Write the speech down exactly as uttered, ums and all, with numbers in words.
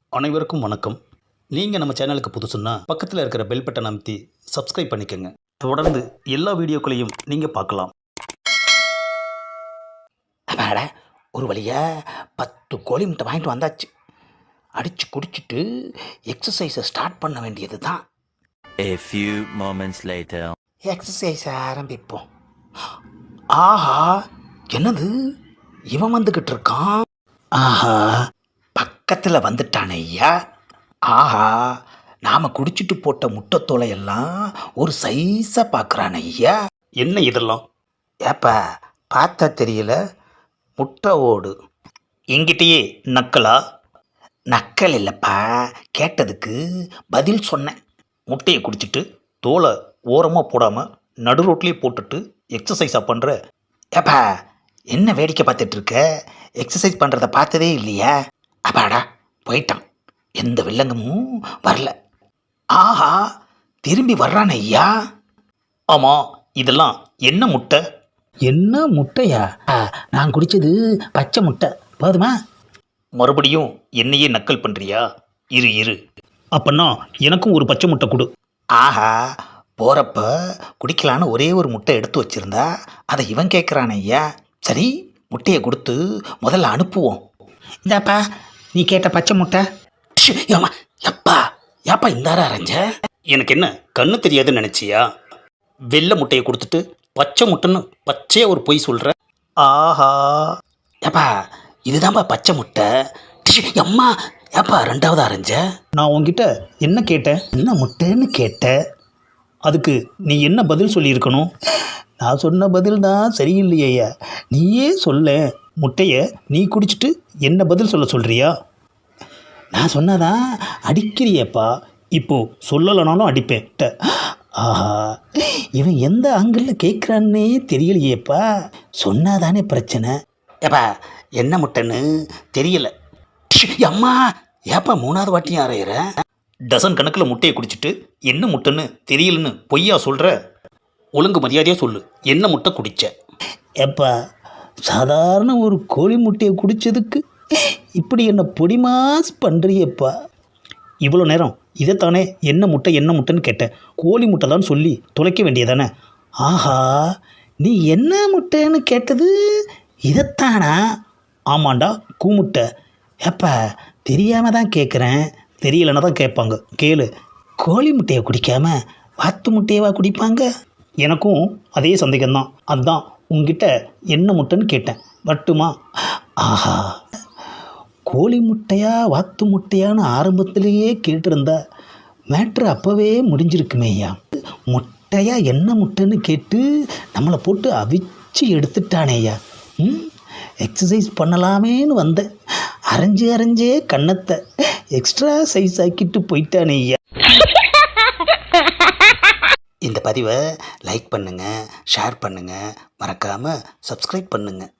அனைவருக்கும் வணக்கம். நீங்கள் நம்ம சேனலுக்கு புதுசுன்னா பக்கத்தில் இருக்கிற பெல் பட்டன் அமைத்தி சப்ஸ்கிரைப் பண்ணிக்கோங்க. தொடர்ந்து எல்லா வீடியோக்களையும் நீங்கள் பார்க்கலாம். அப்பாடா, ஒரு வழியா பத்து கோழி முட்டை வாங்கிட்டு வந்தாச்சு. அடித்து குடிச்சிட்டு எக்ஸசைஸை ஸ்டார்ட் பண்ண வேண்டியது தான். A few moments later. எக்ஸசைஸை ஆரம்பிப்போம். ஆஹா, என்னது இவன் வந்துக்கிட்டு இருக்கான்? ஆஹா, பக்கத்தில் வந்துட்டானே ஐயா. ஆஹா, நாம் குடிச்சிட்டு போட்ட முட்டைத்தோலையெல்லாம் ஒரு சைஸாக பார்க்குறான் ஐயா. என்ன இதெல்லாம்? ஏப்பா, பார்த்தா தெரியல, முட்டை ஓடு. எங்கிட்டயே நக்கலா? நக்கல் இல்லைப்பா, கேட்டதுக்கு பதில் சொன்னேன். முட்டையை குடிச்சிட்டு தோலை ஓரமாக போடாமல் நடு ரோட்லேயே போட்டுட்டு எக்ஸசைஸாக பண்ணுற? ஏப்பா, என்ன வேடிக்கை பார்த்துட்டு இருக்க? எக்ஸசைஸ் பண்ணுறத பார்த்ததே இல்லையா? அப்பாடா, போயிட்டான். எந்த வில்லங்கமும் வரல. ஆஹா, திரும்பி வர்றான் ஐயா. ஆமாம், இதெல்லாம் என்ன முட்டை? என்ன முட்டையா? ஆ, நான் குடித்தது பச்சை முட்டை. போதுமா? மறுபடியும் என்னையே நக்கல் பண்ணுறியா? இரு இரு அப்பன்னா எனக்கும் ஒரு பச்சை முட்டை கொடு. ஆஹா, போகிறப்ப குடிக்கலான்னு ஒரே ஒரு முட்டை எடுத்து வச்சுருந்தா அதை இவன் கேட்குறான் ஐயா. சரி, முட்டையை கொடுத்து முதல்ல அனுப்புவோம். இதாப்பா, நீ கேட்ட பச்சை முட்டை. ஏமா, எப்பா ஏப்பா இந்தாரா அரைஞ்ச? எனக்கு என்ன கண்ணு தெரியாதுன்னு நினச்சியா? வெள்ளை முட்டையை கொடுத்துட்டு பச்சை முட்டைன்னு பச்சையாக ஒரு பொய் சொல்கிற? ஆஹா, ஏப்பா இதுதான்ப்பா பச்சை முட்டை. அம்மா, ஏப்பா ரெண்டாவது அரைஞ்ச? நான் உன்கிட்ட என்ன கேட்டேன்? என்ன முட்டைன்னு கேட்ட? அதுக்கு நீ என்ன பதில் சொல்லியிருக்கணும்? நான் சொன்ன பதில் தான் சரியில்லையா? நீயே சொல்ல. முட்டையை நீ குடிச்சிட்டு என்ன பதில் சொல்ல சொல்கிறியா? நான் சொன்னதான் அடிக்கிறியப்பா. இப்போது சொல்லலைனாலும் அடிப்பேன். ஆஹா, இவன் எந்த ஆங்கிளில் கேட்குறான்னே தெரியலையேப்பா. சொன்னாதானே பிரச்சனை. ஏப்பா, என்ன முட்டைன்னு தெரியல. அம்மா, ஏப்பா மூணாவது வாட்டியும் அரையிற? டசன் கணக்கில் முட்டையை குடிச்சிட்டு என்ன முட்டைன்னு தெரியலன்னு பொய்யா சொல்கிற? ஒழுங்கு மரியாதையாக சொல்லு, என்ன முட்டை குடிச்ச? ஏப்பா, சாதாரண ஒரு கோழி முட்டையை குடித்ததுக்கு இப்படி என்ன பொடிமாஸ் பண்ணுறியப்பா. இவ்வளோ நேரம் இதைத்தானே என்ன முட்டை என்ன முட்டைன்னு கேட்டேன். கோழி முட்டை தான் சொல்லி தொலைக்க வேண்டியதானே? ஆஹா, நீ என்ன முட்டைன்னு கேட்டது இதைத்தானா? ஆமாண்டா, கூமுட்டை. ஏப்பா, தெரியாமல் தான் கேட்குறேன். தெரியலன்னா தான் கேட்பாங்க, கேளு. கோழி முட்டையை குடிக்காம வாத்து முட்டையவா குடிப்பாங்க? எனக்கும் அதே சந்தேகம்தான். அதுதான் உங்ககிட்ட என்ன முட்டைன்னு கேட்டேன். வட்டுமா? ஆஹா, கோழி முட்டையா வாத்து முட்டையான்னு ஆரம்பத்திலேயே கேட்டிருந்தா மேட்ரு அப்போவே முடிஞ்சிருக்குமே ஐயா. முட்டையா என்ன முட்டைன்னு கேட்டு நம்மளை போட்டு அவிச்சு எடுத்துட்டானே ஐயா. ம், எக்ஸசைஸ் பண்ணலாமேன்னு வந்தேன். அரைஞ்சு அரைஞ்சே கன்னத்தை எக்ஸ்ட்ரா சைஸ் ஆக்கிட்டு போயிட்டானே ஐயா. இந்த பதிவை லைக் பண்ணுங்கள், ஷேர் பண்ணுங்கள், மறக்காமல் சப்ஸ்கிரைப் பண்ணுங்கள்.